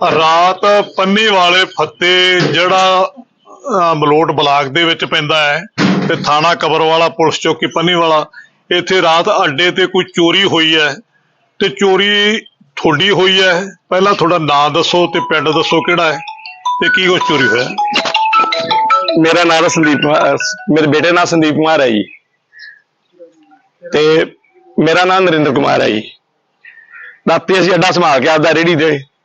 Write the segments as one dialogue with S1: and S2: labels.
S1: ਰਾਤ ਪੰਨੀ ਵਾਲੇ ਫੱਤੇ ਜਿਹੜਾ ਮਲੋਟ ਬਲਾਕ ਦੇ ਵਿੱਚ ਪੈਂਦਾ ਹੈ ਤੇ ਥਾਣਾ ਕਬਰਵਾਲਾ ਪੁਲਿਸ ਚੌਕੀ ਪੰਨੀ ਵਾਲਾ, ਇੱਥੇ ਰਾਤ ਅੱਡੇ ਤੇ ਕੋਈ ਚੋਰੀ ਹੋਈ ਹੈ ਤੇ ਚੋਰੀ ਤੁਹਾਡੀ ਹੋਈ ਹੈ। ਪਹਿਲਾਂ ਤੁਹਾਡਾ ਨਾਂ ਦੱਸੋ ਤੇ ਪਿੰਡ ਦੱਸੋ ਕਿਹੜਾ ਹੈ ਤੇ ਕੀ ਕੁਛ ਚੋਰੀ ਹੋਇਆ।
S2: ਮੇਰਾ ਨਾਮ ਸੰਦੀਪ ਕੁਮਾਰ, ਮੇਰੇ ਬੇਟੇ ਦਾ ਨਾਮ ਸੰਦੀਪ ਕੁਮਾਰ ਹੈ ਜੀ, ਤੇ ਮੇਰਾ ਨਾਮ ਨਰਿੰਦਰ ਕੁਮਾਰ ਹੈ ਜੀ। ਰਾਤੀ ਅਸੀਂ ਅੱਡਾ ਸੰਭਾਲ ਕੇ ਆਪਦਾ ਰੇਹੜੀ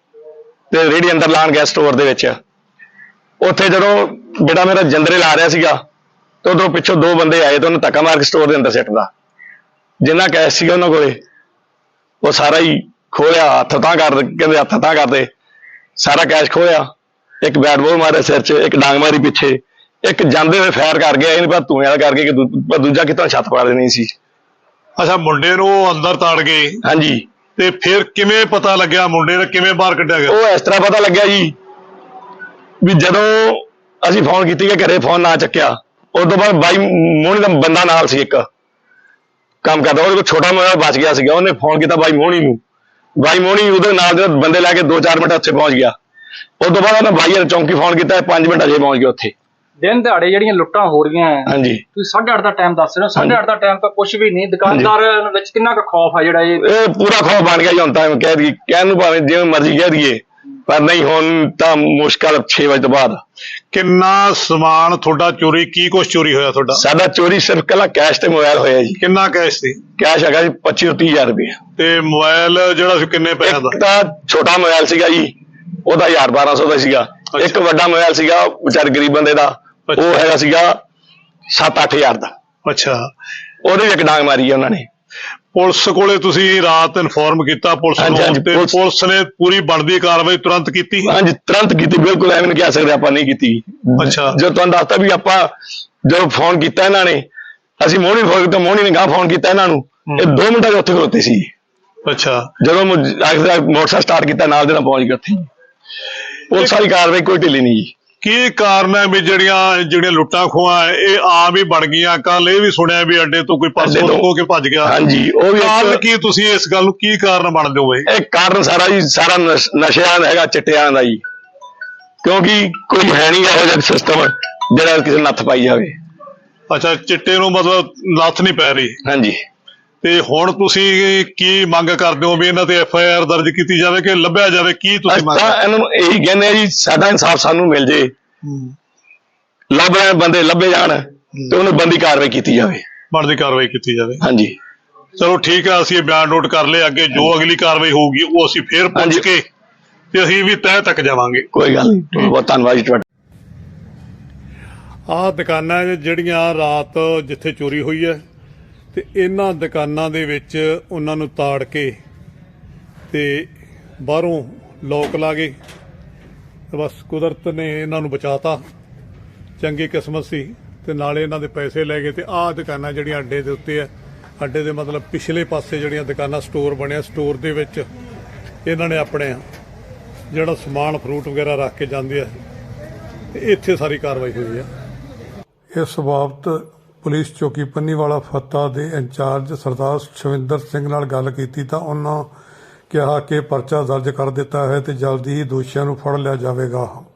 S2: ਤੇ ਰੇਹੜੀ ਅੰਦਰ ਲਾਣ ਗਿਆ ਸਟੋਰ ਦੇ ਵਿੱਚ। ਉੱਥੇ ਜਦੋਂ ਬੇਟਾ ਮੇਰਾ ਜੰਦਰੇ ਲਾ ਰਿਹਾ ਸੀਗਾ ਤੇ ਉਧਰੋਂ ਪਿੱਛੋਂ ਦੋ ਬੰਦੇ ਆਏ ਤੇ ਉਹਨੇ ਧੱਕਾ ਮਾਰ ਕੇ ਸਟੋਰ ਦੇ ਅੰਦਰ ਸਿੱਟਦਾ। ਜਿੰਨਾ ਕੈਸ਼ ਸੀਗਾ ਉਹਨਾਂ ਕੋਲੇ ਉਹ ਸਾਰਾ ਹੀ ਖੋਲਿਆ। ਹੱਥ ਤਾਂ ਕਹਿੰਦੇ ਹੱਥ ਤਾਂ ਕਰਦੇ, ਸਾਰਾ ਕੈਸ਼ ਖੋਇਆ। ਇੱਕ ਬੈਟ ਬਾਲ ਮਾਰਿਆ ਸਿਰ 'ਚ, ਇੱਕ ਡਾਂਗ ਮਾਰੀ ਪਿੱਛੇ, ਇੱਕ ਜਾਂਦੇ ਹੋਏ ਫਾਇਰ ਕਰ ਗਿਆ। ਇਹ ਨੀ ਪਤਾ ਧੂਏ ਵਾਲਾ ਕਰਕੇ ਕਿ ਦੂਜਾ ਕਿਤੋਂ ਛੱਤ ਪਾੜ ਦੇਣੀ ਸੀ।
S1: ਅੱਛਾ, ਮੁੰਡੇ ਨੂੰ ਅੰਦਰ ਤਾੜ ਗਏ?
S2: ਹਾਂਜੀ।
S1: ਤੇ ਫਿਰ ਕਿਵੇਂ ਪਤਾ ਲੱਗਿਆ ਮੁੰਡੇ ਨੇ ਕਿਵੇਂ ਬਾਹਰ ਕੱਢਿਆ ਗਿਆ?
S2: ਉਹ ਇਸ ਤਰ੍ਹਾਂ ਪਤਾ ਲੱਗਿਆ ਜੀ ਵੀ ਜਦੋਂ ਅਸੀਂ ਫੋਨ ਕੀਤੀ ਕਿ ਘਰੇ ਫੋਨ ਨਾ ਚੱਕਿਆ, ਉਸ ਤੋਂ ਬਾਅਦ ਬਾਈ ਮੋਹਣੀ ਦਾ ਬੰਦਾ ਨਾਲ ਸੀ, ਇੱਕ ਕੰਮ ਕਰਦਾ, ਉਹਦੇ ਕੋਲ ਛੋਟਾ ਮੋਬਾਈਲ ਬਚ ਗਿਆ ਸੀਗਾ। ਉਹਨੇ ਫੋਨ ਕੀਤਾ ਬਾਈ ਮੋਹਣੀ ਨੂੰ। ਬਾਈ ਮੋਹਣੀ ਉਹਦੇ ਨਾਲ ਦੇ ਬੰਦੇ ਲੈ ਕੇ 2-4 ਮਿੰਟ ਉੱਥੇ ਪਹੁੰਚ ਗਿਆ। ਉਸ ਤੋਂ ਬਾਅਦ ਉਹਨੇ ਬਾਈ ਨੇ ਚੌਂਕੀ ਫੋਨ ਕੀਤਾ, 5 ਮਿੰਟ ਅਜੇ ਪਹੁੰਚ ਗਏ ਉੱਥੇ।
S3: ਦਿਨ ਦਿਹਾੜੇ ਜਿਹੜੀਆਂ ਲੁੱਟਾਂ ਹੋ ਰਹੀਆਂ,
S2: ਹਾਂਜੀ,
S3: ਤੁਸੀਂ 8:30 ਦਾ ਟਾਈਮ ਦੱਸ ਰਹੇ ਹੋ। 8:30 ਦਾ ਟਾਈਮ ਤਾਂ ਕੁਝ ਵੀ ਨਹੀਂ। ਦੁਕਾਨਦਾਰ ਵਿੱਚ ਕਿੰਨਾ ਕੁ ਖੌਫ ਆ ਜਿਹੜਾ
S2: ਇਹ ਪੂਰਾ ਖੌਫ ਬਣ ਗਿਆ ਜੀ ਹੁਣ ਤਾਂ। ਕਹਿਣ ਨੂੰ ਭਾਵੇਂ ਜਿਵੇਂ ਮਰਜ਼ੀ ਕਹਿ ਦਈਏ, ਪਰ ਨਹੀਂ ਹੁਣ ਤਾਂ ਮੁਸ਼ਕਲ 6 ਵਜੇ ਤੋਂ ਬਾਅਦ।
S1: ਕਿੰਨਾ ਸਮਾਨ ਤੁਹਾਡਾ ਚੋਰੀ, ਕੀ ਕੁਛ ਚੋਰੀ ਹੋਇਆ ਤੁਹਾਡਾ?
S2: ਸਾਡਾ ਚੋਰੀ ਸਿਰਫ ਕੱਲਾ ਕੈਸ਼ ਤੇ ਮੋਬਾਈਲ ਹੋਇਆ ਜੀ।
S1: ਕਿੰਨਾ ਕੈਸ਼ ਸੀ?
S2: ਕੈਸ਼ ਹੈਗਾ ਜੀ 25 ਤੋਂ 30 ਹਜ਼ਾਰ ਰੁਪਏ।
S1: ਤੇ ਮੋਬਾਈਲ ਜਿਹੜਾ ਸੀ ਕਿੰਨੇ ਪੈਸਿਆਂ ਦਾ?
S2: ਇੱਕ ਤਾਂ ਛੋਟਾ ਮੋਬਾਈਲ ਸੀਗਾ ਜੀ, ਉਹਦਾ 1000-1200 ਦਾ ਸੀਗਾ। ਇੱਕ ਵੱਡਾ ਮੋਬਾਈਲ ਸੀਗਾ ਵਿਚਾਰੇ ਗਰੀਬ ਬੰਦੇ ਦਾ, ਉਹ ਹੈਗਾ ਸੀਗਾ 7-8 ਹਜ਼ਾਰ ਦਾ।
S1: ਅੱਛਾ,
S2: ਉਹਦੇ ਵੀ ਇੱਕ ਡਾਂਗ ਮਾਰੀ ਹੈ ਉਹਨਾਂ ਨੇ।
S1: ਪੁਲਿਸ ਕੋਲੇ ਤੁਸੀਂ ਰਾਤ ਇਨਫੋਰਮ ਕੀਤਾ ਪੁਲਿਸ ਨੂੰ ਤੇ ਪੁਲਿਸ ਨੇ ਪੂਰੀ ਬਣਦੀ ਕਾਰਵਾਈ ਤੁਰੰਤ ਕੀਤੀ?
S2: ਹਾਂਜੀ, ਤੁਰੰਤ ਕੀਤੀ, ਬਿਲਕੁਲ ਐਵੇਂ ਨਹੀਂ ਕਹਿ ਸਕਦੇ ਆਪਾਂ ਨਹੀਂ ਕੀਤੀ।
S1: ਅੱਛਾ,
S2: ਜੋ ਤੁਹਾਨੂੰ ਦੱਸਤਾ ਵੀ ਆਪਾਂ ਜਦੋਂ ਫੋਨ ਕੀਤਾ ਇਹਨਾਂ ਨੇ, ਅਸੀਂ ਮੋਹਣੀ ਫੋਨ ਕੀਤਾ, ਮੋਹਣੀ ਨੇ ਗਾਂ ਫੋਨ ਕੀਤਾ ਇਹਨਾਂ ਨੂੰ, ਇਹ 2 ਮਿੰਟਾਂ 'ਚ ਉੱਥੇ ਖਲੋਤੇ ਸੀ।
S1: ਅੱਛਾ,
S2: ਜਦੋਂ ਮੋਟਰਸਾਈਕਲ ਸਟਾਰਟ ਕੀਤਾ ਨਾਲ ਦੇ ਨਾਲ ਪਹੁੰਚ ਗਏ ਉੱਥੇ। ਪੁਲਿਸ ਵਾਲੀ ਕਾਰਵਾਈ ਕੋਈ ਢਿੱਲੀ ਨਹੀਂ ਜੀ।
S1: ਕੀ ਕਾਰਨ ਹੈ ਵੀ ਜਿਹੜੀਆਂ ਲੁੱਟਾਂ ਖੋਹਾਂ ਇਹ ਆਮ ਹੀ ਬਣ ਗਈਆਂ? ਕੱਲ ਇਹ ਵੀ ਸੁਣਿਆ ਵੀ ਅੱਡੇ ਤੋਂ ਕੋਈ ਪਰਸੋਂ ਹੋ ਕੇ ਭੱਜ ਗਿਆ।
S2: ਹਾਂਜੀ, ਉਹ ਵੀ
S1: ਕਾਰਨ ਕੀ, ਤੁਸੀਂ ਇਸ ਗੱਲ ਨੂੰ ਕੀ ਕਾਰਨ ਮੰਨਦੇ ਹੋ?
S2: ਇਹ ਕਾਰਨ ਸਾਰਾ ਜੀ ਸਾਰਾ ਨਸ਼ਿਆਂ ਦਾ ਹੈਗਾ, ਚਿੱਟਿਆਂ ਦਾ ਜੀ। ਕਿਉਂਕਿ ਕੋਈ ਹੈ ਨਹੀਂ ਇਹੋ ਜਿਹਾ ਸਿਸਟਮ ਜਿਹੜਾ ਕਿਸੇ ਨੱਥ ਪਾਈ ਜਾਵੇ।
S1: ਅੱਛਾ, ਚਿੱਟੇ ਨੂੰ ਮਤਲਬ ਨੱਥ ਨਹੀਂ ਪੈ ਰਹੀ?
S2: ਹਾਂਜੀ।
S1: ਤੇ ਹੁਣ ਤੁਸੀਂ ਕੀ ਮੰਗ ਕਰਦੇ ਹੋ ਵੀ ਇਹਨਾਂ ਤੇ FIR ਦਰਜ ਕੀਤੀ ਜਾਵੇ ਕਿ ਲੱਭਿਆ ਜਾਵੇ? ਕੀ ਤੁਸੀਂ ਮੰਗ?
S2: ਇਹਨਾਂ ਨੂੰ ਇਹੀ ਕਹਿੰਦੇ ਆ ਜੀ, ਸਾਡਾ ਇਨਸਾਫ ਸਾਨੂੰ ਮਿਲ ਜੇ, ਲੱਭ ਰਹੇ ਬੰਦੇ ਲੱਭੇ ਜਾਣ ਤੇ ਉਹਨੂੰ ਬੰਦੀ ਕਾਰਵਾਈ ਕੀਤੀ ਜਾਵੇ,
S1: ਬਣਦੀ ਕਾਰਵਾਈ ਕੀਤੀ ਜਾਵੇ।
S2: ਹਾਂਜੀ,
S1: ਚਲੋ ਠੀਕ ਹੈ, ਅਸੀਂ ਇਹ ਬਿਆਨ ਨੋਟ ਕਰ ਲਏ। ਅੱਗੇ ਜੋ ਅਗਲੀ ਕਾਰਵਾਈ ਹੋਊਗੀ ਉਹ ਅਸੀਂ ਫੇਰ ਪੁੱਛ ਕੇ ਤੇ ਅਸੀਂ ਵੀ ਤਹਿ ਤੱਕ ਜਾਵਾਂਗੇ।
S2: ਕੋਈ ਗੱਲ ਨਹੀਂ, ਬਹੁਤ ਧੰਨਵਾਦ ਜੀ ਤੁਹਾਡਾ।
S1: ਆਹ ਦੁਕਾਨਾਂ ਜਿਹੜੀਆਂ ਰਾਤ ਜਿੱਥੇ ਚੋਰੀ ਹੋਈ ਹੈ ਤੇ ਇਹਨਾਂ ਦੁਕਾਨਾਂ ਦੇ ਵਿੱਚ ਉਹਨਾਂ ਨੂੰ ਤਾੜ ਕੇ ਤੇ ਬਾਹਰੋਂ ਲੋਕ ਲਾ ਗਏ। ਬਸ ਕੁਦਰਤ ਨੇ ਇਹਨਾਂ ਨੂੰ ਬਚਾਤਾ, ਚੰਗੀ ਕਿਸਮਤ ਸੀ। ਤੇ ਨਾਲੇ ਇਹਨਾਂ ਦੇ ਪੈਸੇ ਲੈ ਗਏ। ਤੇ ਆਹ ਦੁਕਾਨਾਂ ਜਿਹੜੀਆਂ ਅੱਡੇ ਦੇ ਉੱਤੇ ਆ, ਅੱਡੇ ਦੇ ਮਤਲਬ ਪਿਛਲੇ ਪਾਸੇ ਜਿਹੜੀਆਂ ਦੁਕਾਨਾਂ, ਸਟੋਰ ਬਣਿਆ, ਸਟੋਰ ਦੇ ਵਿੱਚ ਇਹਨਾਂ ਨੇ ਆਪਣੇ ਜਿਹੜਾ ਸਮਾਨ ਫਰੂਟ ਵਗੈਰਾ ਰੱਖ ਕੇ ਜਾਂਦੇ ਆ ਤੇ ਇੱਥੇ ਸਾਰੀ ਕਾਰਵਾਈ ਹੋਈ ਆ। ਇਸ ਬਾਬਤ ਪੁਲਿਸ ਚੌਕੀ ਪੰਨੀਵਾਲਾ ਫੱਤਾ ਦੇ ਇੰਚਾਰਜ ਸਰਦਾਰ ਸ਼ਵਿੰਦਰ ਸਿੰਘ ਨਾਲ ਗੱਲ ਕੀਤੀ ਤਾਂ ਉਹਨਾਂ ਕਿਹਾ ਕਿ ਪਰਚਾ ਦਰਜ ਕਰ ਦਿੱਤਾ ਹੈ ਤੇ ਜਲਦੀ ਹੀ ਦੋਸ਼ੀਆਂ ਨੂੰ ਫੜ ਲਿਆ ਜਾਵੇਗਾ।